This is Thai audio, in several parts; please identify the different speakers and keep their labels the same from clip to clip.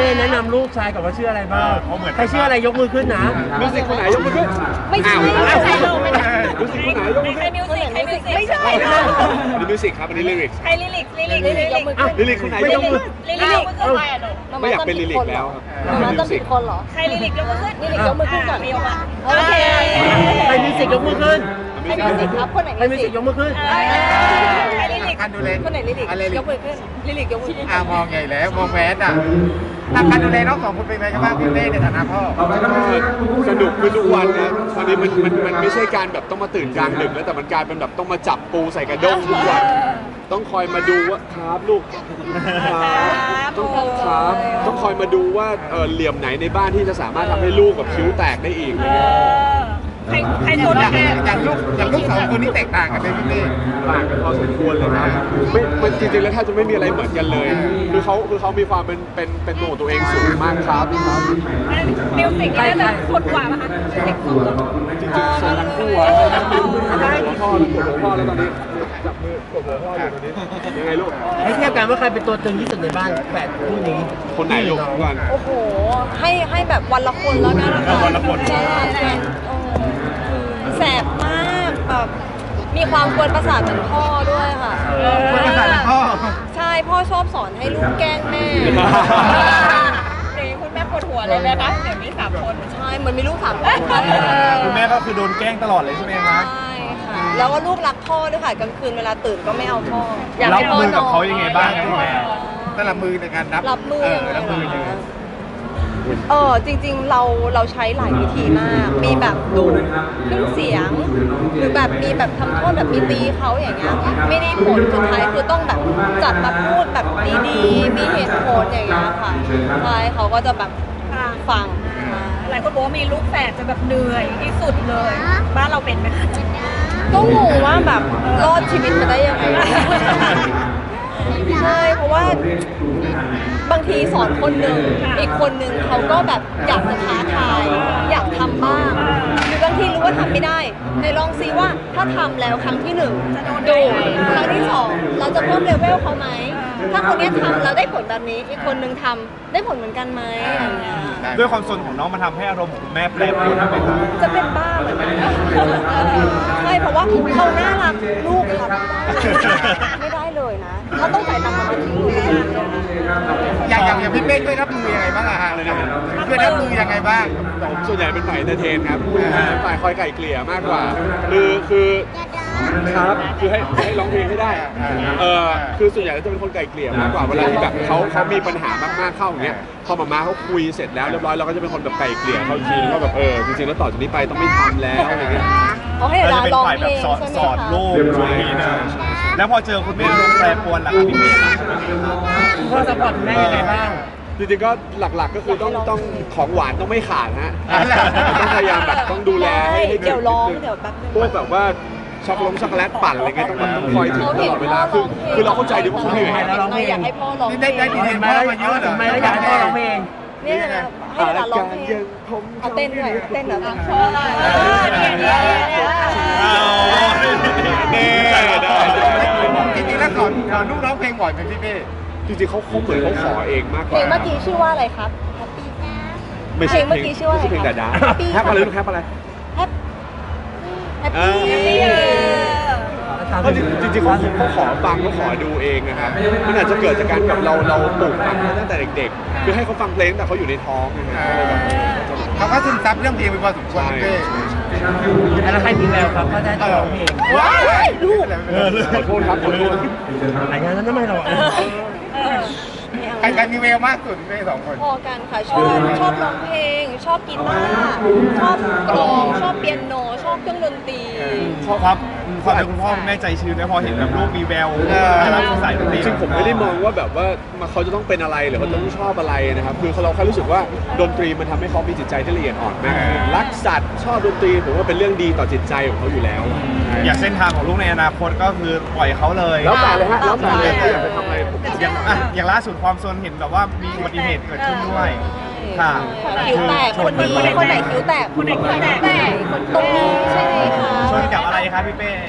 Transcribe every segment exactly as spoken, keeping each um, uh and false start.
Speaker 1: ป้แนะนำลูกชายกับว่าชื่ออะไรบ้างใครชื่ออะไรยกมือขึ้นนะ
Speaker 2: มิวสิกคนไหนยกมือขึ้น
Speaker 3: ไม่ใช่ไม่ใช่เราไม่ใช่
Speaker 2: มิวสิกคนไหนยกมือขึ้น
Speaker 3: มิวสิกไม่ใช่
Speaker 2: อันนี้มิวสิกครับอันนี้ลิริก
Speaker 3: ใครลิลิกลิลิกลิลิกยกมือขึ้น
Speaker 2: ลิริกคนไหนยกมือ
Speaker 3: ลิลิกคือใครอ่ะหนู
Speaker 2: ไม่อยากเป็นลิริกแล้วครับ
Speaker 3: มันต้องผิดคนเหรอใครลิลิกยกมือขึ้นลิลิกยกมือขึ้นก่อนโอเค
Speaker 1: ใครมิวสิกยกมือขึ้น
Speaker 3: ใครมิวสิกครับคนไหน
Speaker 1: ใครมิวสิกยกมือขึ้น
Speaker 3: ใครลิลิก
Speaker 4: การดูแล
Speaker 3: คนไหนลิลิกยกมือขึ้นลิลิกยกมือขึ้น
Speaker 4: อ่ามองใหญ่แล้วมองแมสอ่ะทางการดูแลน้องสองคนเป็นไงกันบ้างพี่เต้ในฐานะพ่อ
Speaker 2: สนุกคือทุกวันนะตอนนี้มันมันมันไม่ใช่การแบบต้องมาตื่นกลางดึกแล้วแต่มันกลายเป็นแบบต้องมาจับปูใส่กระด้งทุกวันต้องคอยมาดูว่าครับลูกครับต้องครับต้องคอยมาดูว่าเออเหลี่ยมไหนในบ้านที่จะสามารถทำให้ลูกกับคิ้วแตกได้อีกอะไรเงี้ย
Speaker 3: ใครใครโดน
Speaker 4: อย่าง
Speaker 3: แก
Speaker 4: อย่างลูกอย่างลูกสองคนนี้แตกต่างกันเลยพี่เต้
Speaker 2: ต่างกันพอสมควรเลยนะไม่มันจริงๆแล้วแทบจะไม่มีอะไรเหมือนกันเลยคือเขาคือเขามีความเป็นเป็นเป็นตัวของตัวเองสูงมากครับครับ
Speaker 3: มิวสิกน่าจะคนกว่าป่ะคะเด็กสุด
Speaker 2: จริงๆสองทั้งคู่อะได้หัวพ่อแล้วกดหัวพ่อแล้วตอนนี้จับมือกดหัวพ่ออยู่ตอนนี้ยังไงลูก
Speaker 1: ให้เทียบกันว่าใครเป็นตัวตึงที่สุดในบ้านแปดคู่นี้
Speaker 2: คนไหนลูกก่อน
Speaker 3: โอ้โหให้ให้แบบวันละคนแล้วกันวันละคนใช่แสบมากแบบมีความกวนประสาทเหมือนพ่อด้วยค่ะ
Speaker 4: กวนประสาทเหมือนพ่อ
Speaker 3: ใช่พ่อชอบสอนให้ลูกแกล้งแม่เดี๋ยวคุณแม่ปวดหัวเลยนะคะเดี๋ยวมีสามคนใช่เหมือนมีลูกสามคน
Speaker 4: คุณแม่ก็คือโดนแกล้งตลอดเลยใช่ไหมคะ
Speaker 3: ใช่ค่ะแล้วก็ลูกรักพ่อด้วยค่ะกลางคืนเวลาตื่นก็ไม่เอาพ่อ
Speaker 4: อยากให้พ่อนอนรับมือกับเขายังไงบ้างคุณแม่ต้องรับมือในการรับ
Speaker 3: รับมือ
Speaker 4: รับมือยังไง
Speaker 3: เออจริงๆเราเราใช้หลายวิธีมากมีแบบดูเครื่องเสียงหรือแบบมีแบบทำโทษแบบมีตีเขาอย่างเงี้ยไม่ได้ผลสุดท้ายคือต้องแบบจัดมาพูดแบบดีๆมีเหตุผลอย่างเงี้ยค่ะใช่เขาก็จะแบบฟังหลายคนบอกว่ามีลูกแฝดจะแบบเหนื่อยที่สุดเลยบ้านเราเป็นไหมก็งงว่าแบบรอดชีวิตมาได้ยังไงใช่เพราะว่าบางทีสอนคนหนึ่งอีกคนหนึ่งเขาก็แบบอยากจะท้าทายอยากทำบ้างหรือบางทีรู้ว่าทำไม่ได้ในลองซีว่าถ้าทำแล้วครั้งที่หนึ่งดูครั้งที่สองเราจะเพิ่มเลเวลเขาไหมถ้าคนนี้ทำแล้วได้ผลแบบนี้อีกคนหนึ่งทำได้ผลเหมือนกันไหมอย่างเงี้ย
Speaker 4: ด้วยความสนของน้องมาทำให้อารมณ์ของคุณแม่แปรปรวนไหมครับ
Speaker 3: จะเป็นบ้าเหมือนกันใช่เพราะว่าเขาน่ารักลูกครับไม่ได้เลยนะเขาต้องจ่ายตังค์มาทิ้งเลย
Speaker 4: อย่างอย่างอย่างพี่เป้ช่วยรับมือยังไงบ้างอะฮะเลยนะช่วยรับมือยังไงบ้าง
Speaker 2: ส่วนใหญ่เป็นฝ่ายเอนเตอร์เทนครับฝ่ายคอยไก่เกลี่ยมากกว่าคือคือครับคือให้ให้ร้องเพลงให้ได้เออคือส่วนใหญ่จะเป็นคนไก่เกลี่ยมากกว่าเวลาที่แบบเขาเขามีปัญหามากๆเข้าอย่างเงี้ยพอมาม่าเขาคุยเสร็จแล้วเรียบร้อยเราก็จะเป็นคนแบบไก่เกลี่ยเขาทีว่าแบบเออจริงๆแล้วต่อจากนี้ไปต้องไม่ทำแล้วอะไรเงี้ย
Speaker 3: เขาให้เราร้องเพลงใช่ไหมคะสอนลูก
Speaker 4: ช่วยนี่นะแล้วพอเจอคุณแม่ลงแปรปรวนล่ะครับพี่เป้
Speaker 1: พ่อสปอร์ตแม่ยังไงบ้าง
Speaker 2: จริงๆก็หลักๆก็คือต้องต้องของหวานต้องไม่ขาดฮะต้องพยายามแบบต้องดูแลให้ให้
Speaker 3: เดี๋ยวร้องเดี๋ยวแบบ
Speaker 2: พวกแบบว่าช็อกโกแลตช็อกโกแลตปั่นอะไรเงี้ยต้องแบบต้องคอยถึงตลอดเวลาคือคือเราเข้าใจดีว่าเขาเหนื่อย
Speaker 1: แล้วร้องเพลง
Speaker 3: อยากให้พ่อร้อง
Speaker 4: ได้ได้ดีเห็นพ่อมาเยอะเหรอ
Speaker 1: ทำไมแล้วอยากให้พ่อร้องเพลง
Speaker 3: เนี่ยนะให้เวลาร้องเพลงเอาเต้นด้วยเต้นเหรอชอบ
Speaker 4: จริงๆแล้วก่อนก่อนลูกร้องเพลงบ่อยเป็นพี่เป้
Speaker 2: จริงๆเขาเขาเหมือนเขาขอเองมากกว่า
Speaker 3: เพลงเมื่อกี้ชื่อว่าอะไรครับ
Speaker 2: ไม่ใช่เพลงเมื่อกี้ชื่อว่าอะไรเพลงดาดาแฮปอะไรลูกแฮปอะไร
Speaker 3: แฮปแฮปปี้
Speaker 2: เพราะจริงๆเขาเขาขอฟังเขาขอดูเองนะครับมันอาจจะเกิดจากการแบบเราเราปลูกฝังตั้งแต่เด็กๆคือให้เขาฟังเพลงแต่เขาอยู่ในท้องนะครับ
Speaker 4: เขาก็ซึมซับเรื่องเพลงไปพอสมควรเป้
Speaker 1: แล้วใครมีแววครับก็ได้ร้องเพลง
Speaker 4: ว้าวลูก
Speaker 2: ขอโทษครับขอโทษ
Speaker 1: อะไรงั้นแล้วทำไมเรา
Speaker 4: ใครใครมีแววมากสุดเป้สองคน
Speaker 3: พอกันค่ะชอบชอบร้องเพลงชอบกีตาร์ชอบกลองชอบเปียโนชอบเครื่องดนตรี
Speaker 4: ชอบครับความเป็นคุณพ่อคุณแม่ใจชื้นนะพอเห็นแบบลูกมีแววรับสายดนตรี
Speaker 2: จริงผมไม่ได้มองว่าแบบว่าเขาจะต้องเป็นอะไรหรือเขาต้องชอบอะไรนะครับคือเราแค่รู้สึกว่าดนตรีมันทำให้เขามีจิตใจที่ละเอียดอ่อนมากรักสัตว์ชอบดนตรีผมว่าเป็นเรื่องดีต่อจิตใจของเขาอยู่แล้ว
Speaker 4: อย่างเส้นทางของลูกในอนาคตก็คือปล่อยเขาเลย
Speaker 2: แล้วแต่เลยฮะแล้วแต่เลยเขาอยากไปทำอะไร
Speaker 4: อย่างอย่างล่าสุดความโซนเห็นแบบว่ามีอุบัติเหตุเกิดขึ้นด้วยค่ะ
Speaker 3: คิ้วแตกคนนี้คนไหนคิ้วแตกคนไหนคิ้วแตกคนตรงนี้ใช่ไหมคะ
Speaker 4: ชนกับอะไรคะพี่เป้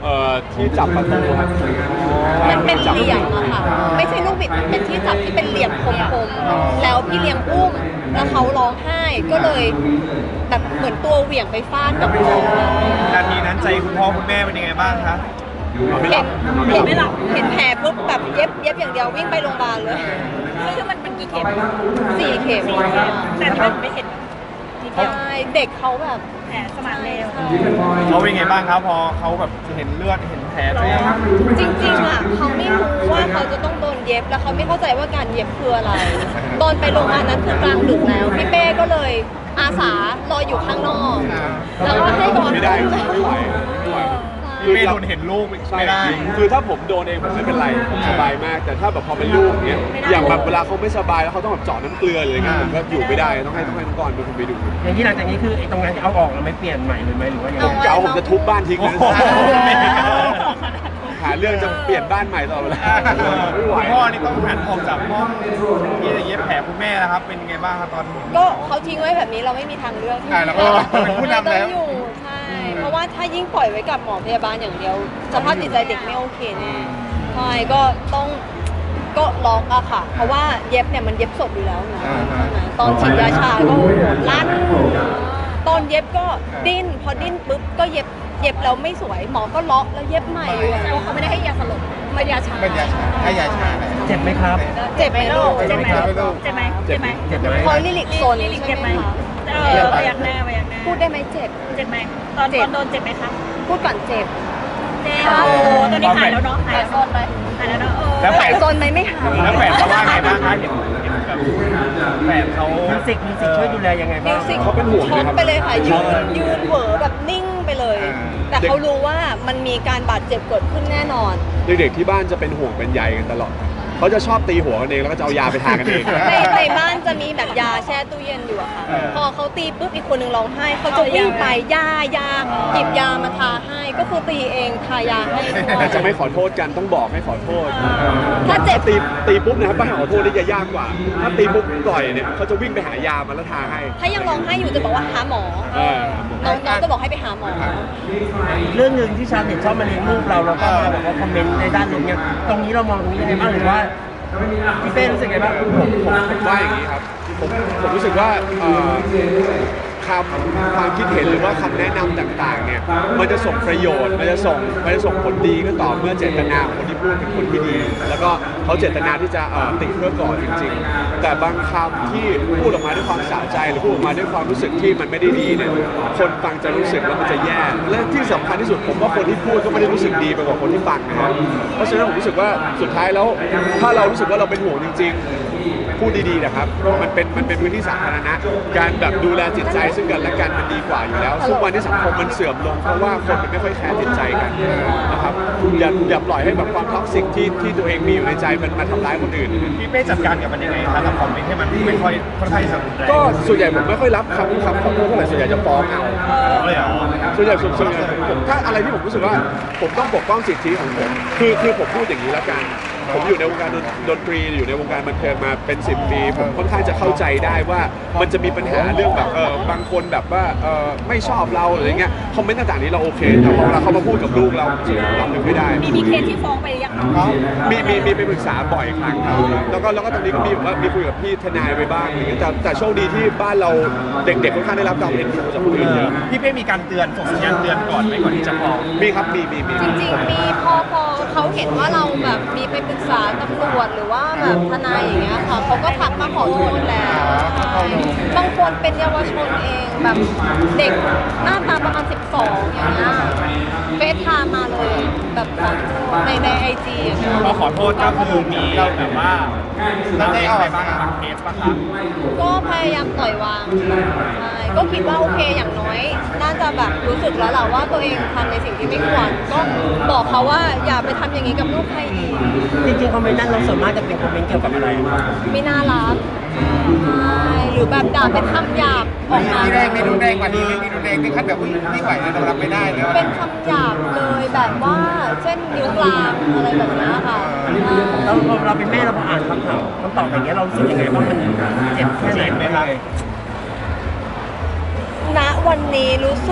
Speaker 2: เอ่อที่จับประตูครับ
Speaker 3: มันเป็นเหลี่ยมอะค่ะไม่ใช่ลูกบิดมันเป็นที่จับที่เป็นเหลี่ยมคมๆแล้วพี่เลี้ยงอุ้มแล้วเขาร้องไห้ก็เลยแบบเหมือนตัวเหวี่ยงไปฟาดกับพื้น
Speaker 1: นาทีนั้นใจคุณพ่อคุณแม่เป็นยังไงบ้างคะ
Speaker 2: ไม่ห
Speaker 3: เห็
Speaker 2: ลั
Speaker 3: น
Speaker 2: บ
Speaker 3: เห็นไม่หลับเห็นแผลปุ๊บแบบเย็บเย็บอย่างเดียววิ่งไปโรงพยาบาลเลย
Speaker 5: คือมันเป็นกี่เข็ม
Speaker 3: สี่เข็ม
Speaker 5: แต่ที่มันไม่เห็นทีเดียว
Speaker 3: ใช่เด็กเขาแบบ
Speaker 5: แผลสมานเลว
Speaker 1: เขาเป็นไงบ้างครับพอเขาแบบเห็นเลือดเห็นแผลตัวเอง
Speaker 3: จริงๆอ่ะเขาไม่รู้ว่าเขาจะต้องโดนเย็บแล้วเขาไม่เข้าใจว่าการเย็บคืออะไร ตอนไปโรงพยาบาลนั้นคือกลางดึกแล้วพี่เป้ก็เลยอาสารออยู่ข้างนอก แล้วก็ให้บอล
Speaker 2: ไม่ได้ไม่ไหวไม่ไหว
Speaker 1: พี่เป้โดนเห็นลูก
Speaker 2: ใช่
Speaker 1: ไม่ได้
Speaker 2: คือถ้าผมโดนเองผมไม่เป็นไรผมสบายมาก แต่ถ้าแบบพอเป็นลูกเนี้ยอย่างแบบเวลาเขาไม่สบายแล้วเขาต้องแบบเจาะน้ำเกลือเลยเงี้ยผมก็อยู่ไม่ได้ต้องให้ต้องให้น้องกรเป็นคนไปดู
Speaker 1: อย่างที่หลังจากนี้คือไอ้ตรงนั้นเอาออกแล้วไม่เปลี่ยนใหม่เลยไหมหรือว่ายัง
Speaker 2: ผม
Speaker 1: ไง
Speaker 2: เก่าผมจะทุบบ้านทิ้งเลย
Speaker 1: โอ้โห
Speaker 2: หาเรื่องจะเปลี่ยนบ้านใหม่ตลอดเวลาไม่ไหว
Speaker 1: คุณพ่อนี่ต้องหันออกจากห้องที่จะเย็บแผลคุณแม่นะครับเป็นยังไงบ้างครับตอนนี้
Speaker 3: ก็เขาทิ้งไว้แบบนี้เราไม่มีทางเลือก
Speaker 4: อ่าเราก็เป็นผู้นำแล้ว
Speaker 3: เราต้องอยู่ใช่เพราะว่าถ้ายิ่งปล่อยไว้กับหมอพยาบาลอย่างเดียวสภาพจิตใจเด็กไม่โอเคแน่ใช่ก็ต้องก็ล็อกอะค่ะ เพราะว่าเย็บเนี่ยมันเย็บศพอยู่แล้วนะใช่ไหมตอนฉีดยาชาก็โอ้โหลั่นตอนเย็บก็ดิ้นพอดิ้นปุ๊บก็เย็บเย็บแล้วไม่สวยหมอก็ล็อกแล้วเย็บใหม่อยู่อะ
Speaker 5: แต่ว่าเขาไม่ได้ให้ยาสลบไม่ยาชา
Speaker 4: เป็นยาชาให้ยาชาเลย
Speaker 1: เจ็บไหมครับ
Speaker 3: เจ็บไหมลูก
Speaker 5: เจ็บไหม
Speaker 4: เจ็บไหม
Speaker 5: เจ็บไหมเจ็บไหม
Speaker 1: เจ็บไหม
Speaker 3: พอลิลิกโซน
Speaker 5: ลิลิก
Speaker 3: ใช่
Speaker 5: เจ็บ
Speaker 3: ไห
Speaker 5: ไห
Speaker 3: ม
Speaker 5: ม
Speaker 3: คะ
Speaker 5: เออพยักหน้าพยักหน้า
Speaker 3: พูดได้ไหมเจ็บ
Speaker 5: เจ็บไหมตอน
Speaker 3: เจ็
Speaker 5: ต
Speaker 3: บ
Speaker 5: อนโดนเจ็บไหมคะ
Speaker 3: พูดก่อนเจ็บ
Speaker 5: เจ็บโอ้ตอนนี้หายแล้วเนาะหายแล้วหายแล้วเนาะเออ
Speaker 1: แล้วแผล
Speaker 3: หายโซนไหมไม่หาย
Speaker 1: แล้วแฝดเขาว่าไงบ้างคะเห็นเห็นแบบแฝดเขามิวสิกมิวสิกช่วยดูแลยังไง
Speaker 3: มิ
Speaker 1: บ้าง
Speaker 3: วสิก
Speaker 2: เขาเป็นห่วงไหม
Speaker 3: ช็อก
Speaker 2: ครับ
Speaker 3: ไปเลยค่ะยืนยืนเหวอแบบนิ่งไปเลย
Speaker 4: อ่า
Speaker 3: แต่เขารู้ว่ามันมีการบาดเจ็บเกิดขึ้นแน่นอน
Speaker 2: เด็กๆที่บ้านจะเป็นห่วงเป็นใยกันตลอดเขาจะชอบตีหัวกันเองแล้วก็จะเอายาไปทากันเอง
Speaker 3: ในในบ้านจะมีแบบยาแช่ตู้เย็นอยู่อะค่ะ พอเขาตีปุ๊บอีกคนหนึ่งร้องไห้เขาจะวิ่งไปยายาหยิบยามาทาให้ ก็คือตีเองทายาให้ด้วย
Speaker 2: แต่จะไม่ขอโทษกันต้องบอกให้ขอโทษ
Speaker 3: ถ้าเจ็บ
Speaker 2: ตีตีปุ๊บนะครับป้าขอโทษนี่จะยากกว่า ถ้าตีปุ๊บปล่อยเนี่ยเขาจะวิ่งไปหายามาแล้วทาให้
Speaker 3: ถ้ายังร้องไห้อยู่จะบอกว่าหาหมอ
Speaker 2: เออ
Speaker 3: น้องน้องจะบอกให้ไปหาหมอ
Speaker 1: เรื่องหนึ่งที่ชาวเน็ตชอบมาเลี้ยงลูกเราแล้วก็มาบอกว่าคอมเมนต์ในด้านลบเนี่ยตรงนี้เรามองตรงนี้ยังไงบ้างหรือว่าพี่เป้รู้สึกไงบ้างผมผมผม
Speaker 2: ว่าอย่างนี้ครับผมผมรู้สึกว่าเอ่อคำความคิดเห็นหรือว่าคำแนะนำต่างๆเนี่ยมันจะส่งประโยชน์มันจะส่งมันจะส่งผลดีก็ต่อเมื่อเจตนาของคนที่พูดเป็นคนที่ดี แล้วก็เขาเจตนาที่จะเอ่อติเพื่อก่อจริงๆ แต่บางคำที่พูดออกมาด้วยความสะใจหรือพูดออกมาด้วยความรู้สึกที่มันไม่ได้ดีเนี่ยคนฟังจะรู้สึกแล้วมันจะแย่และที่สำคัญที่สุดผมว่าคนที่พูดก็ไม่ได้รู้สึกดีไปกว่าคนที่ฟังนะครับเพราะฉะนั้นผมรู้สึกว่าสุดท้ายแล้วถ้าเรารู้สึกว่าเราเป็นห่วงจริงๆ พูดดีๆนะครับมันเป็นมันเป็นพื้นที่สาธารณะการแบบดูแลจิตใจซึ่งกันและกันมันดีกว่าอยู่แล้วทุกวันที่สังคมมันเสื่อมลงเพราะว่าคนมันไม่ค่อยแคร์จิตใจกันนะครับอย่าอย่าปล่อยให้แบบความท็อกซิกที่ที่ตัวเองมีอยู่ในใจมันมาทำร้ายคนอื่น
Speaker 1: พี่เป้จัดการกับมันยังไงครับกับคอมเมนต์ให้มันไม่ค่อยค่อนข้างจะรุนแรง
Speaker 2: ก็ส่วนใหญ่ผมไม่ค่อยรับคำคำขอโทษเท่าไหร่ส่วนใหญ่จะฟ้องเอา
Speaker 1: เลยเหรอ
Speaker 2: ส่วนใหญ่ส่วนส่วนใหญ่ผมผมถ้าอะไรที่ผมรู้สึกว่าผมต้องปกป้องสิทธิของผมคือคือผมพูดอย่างนี้แล้วกัน ผมอยู่ในวงการดนดนตรีอยู่ในวงการบันเทิงมาเป็นสิบปีผมค่อนข้างจะเข้าใจได้ว่ามันจะมีปัญหาเรื่องแบบเออบางคนแบบว่าเออไม่ชอบเราหรืออะไรเงี้ยคอมเมนต์ต่างๆนี้เราโอเคแต่พอเวลาเขามาพูดกับลูกเราจริงๆเรารับไม่ได้
Speaker 5: มีมีเคสที่ฟ้องไปหรือยังคะ
Speaker 2: มีมีมีไปปรึกษาบ่อยครั้งครับแล้วก็แล้วก็ตอนนี้ก็มีแบบว่ามีคุยกับพี่ทนายไปบ้างอะไรเงี้ยแต่แต่โชคดีที่บ้านเราเด็กๆค่อนข้างได้รับการเอ็นดูจากคนอื่นเยอะ
Speaker 1: พี่เป้มีการเตือนส่งสัญญาณเตือนก่อนไหมก่อนที่จะฟ้อง
Speaker 2: มีครับมีมีมี
Speaker 3: จริงๆ มีพอพอเขาเห็นว่าเราแบบมีไปปรึกษาตำรวจหรือว่าแบบทนายอย่างเงี้ยค่ะเขาก็ทักมาขอโทษแล้วใช่บางคนเป็นเยาวชนเองแบบเด็กหน้าตาประมาณสิบสองอย่างเงี้ยเฟซไทม์มาเลยแบบขอโทษในในไอจีอย่างเงี้ย
Speaker 1: พอขอโทษก็คือมีแบบว่าเราได้ไปบ้างบางเคสป่ะครับ
Speaker 3: ก็พยายามปล่อยวางใช่ก็คิดว่าโอเคอย่างน้อย น่าจะแบบรู้สึกแล้วแหละว่าตัวเองทำในสิ่งที่ไม่ควรก็บอกเขาว่าอย่าไปทำอย่างนี้กับลูกใครอีก
Speaker 1: จริงๆคอมเมนต์นั้นเราส่วนมากจะเป็นคอมเมนต์เกี่ยวกับอะไรครับ
Speaker 3: ไม่น่ารักใช่หรือแบบด่าเป็นคำหยาบออกมา
Speaker 4: มีแรงมีรุนแรงกว่านี้มีรุนแรงถึงขั้นแบบอุ๊ยไม่ไหวแล้วเรารับไม่ได้แล้ว
Speaker 3: เป็นคำหยาบเลยแบบว่าเช่นนิ้วกลางอะไรแบบนี้ค่ะ
Speaker 1: เราเราเราเป็นแม่เราพออ่านคำถามคำตอบอย่างเงี้ยเรารู้สึกยังไงบ้างมันเจ็บแค่ไหนไหมครับ
Speaker 3: ณวันนี้รู้สึก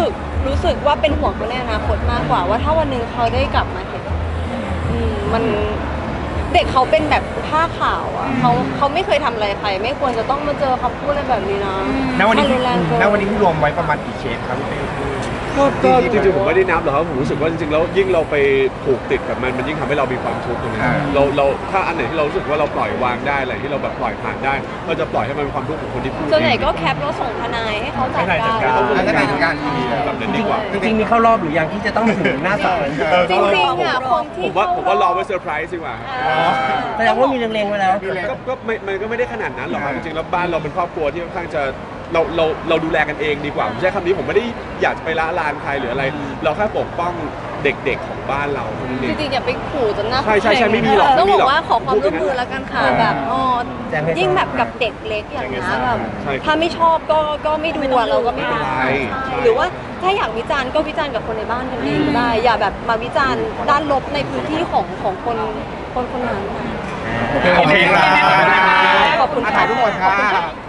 Speaker 3: รู้สึกว่าเป็นห่วงเขาในอนาคตมากกว่าว่าถ้าวันหนึ่งเขาได้กลับมาเห็นอืมมันเด็กเขาเป็นแบบผ้าขาวอ่ะเขาเขาไม่เคยทำอะไรใครไม่ควรจะต้องมาเจอคำพูดอะไรแบบนี้นะ
Speaker 4: ณวันนี้
Speaker 3: มัรุนแรงเกิน
Speaker 4: ณวันนี้ที่รวมไว้ประมาณกี่เคสครับพี่เป้
Speaker 2: ก็ก็จริงๆผมไม่ได้นับหรอกครับผมรู้สึกว่าจริงๆแล้วยิ่งเราไปผูกติดกับมันมันยิ่งทำให้เรามีความทุกข์ตรงนี้
Speaker 4: อ่า
Speaker 2: เราเราถ้าอันไหนที่เรารู้สึกว่าเราปล่อยวางได้อะไรที่เราแบบปล่อยผ่านได้เราจะปล่อยให้มันเป็นความทุกข์ของคนที่พูด
Speaker 3: ส่วนใหญ่ก็แคปแล้วส่งทนายให้เขาจัดการ
Speaker 4: แล้วก็ในจัดการที
Speaker 2: แบบนั้นดีกว่า
Speaker 1: จริงๆมีเข้ารอบหรือยังที่จะต้องถึงหน้าศาล
Speaker 3: จริงๆอ่ะคน
Speaker 2: ผ
Speaker 3: ที่
Speaker 2: มว่าผมว่ารอไว้เซอร์ไพรส์ดีกว่า
Speaker 1: แสดงว่ามีเล็งๆไว้แล้ว
Speaker 2: ก็ก็ไม่มันก็ไม่ได้ขนาดนั้นหรอกครับจริงๆแล้วบ้านเราเป็นครอบครัวที่ค่อนข้างจะเราเราเราดูแลกันเองดีกว่าผมใช้คำนี้ผมไม่ได้อยากจะไปละลานใครหรืออะไร เราแค่ปกป้องเด็กๆของบ้านเราเท่านั้นเอ
Speaker 3: จ
Speaker 2: ง
Speaker 3: ริงๆอย่าไปขู่จนหน้า
Speaker 2: ใช่ใช่ใช่ไม่มีหรอก
Speaker 3: ต้อง
Speaker 2: ไม่มี
Speaker 3: บ
Speaker 2: หร
Speaker 3: อ
Speaker 2: อก
Speaker 3: กว่าขอความร่วมมือแล้วกันค่ะแบบอ๋อ
Speaker 1: แจ้งให้ทราบ
Speaker 3: ยิ่งแบบกับเด็กเล็กอย่างนี้ยแบบ
Speaker 2: ใช่ครับ
Speaker 3: ถ้าไม่ชอบก็ก็ไม่ดูอะเราก็ไม่ดู
Speaker 2: ใช่ใช่
Speaker 3: หรือว่าถ้าอยากวิจารณ์ก็วิจารณ์กับคนในบ้านกันเองก็ได้ อย่าแบบมาวิจารณ์ด้านลบในพื้นที่ของของคนคนคนนั้น
Speaker 4: โอเคครับ
Speaker 3: ขอบคุณค่ะ
Speaker 4: ถ่ายทุกคนค่ะ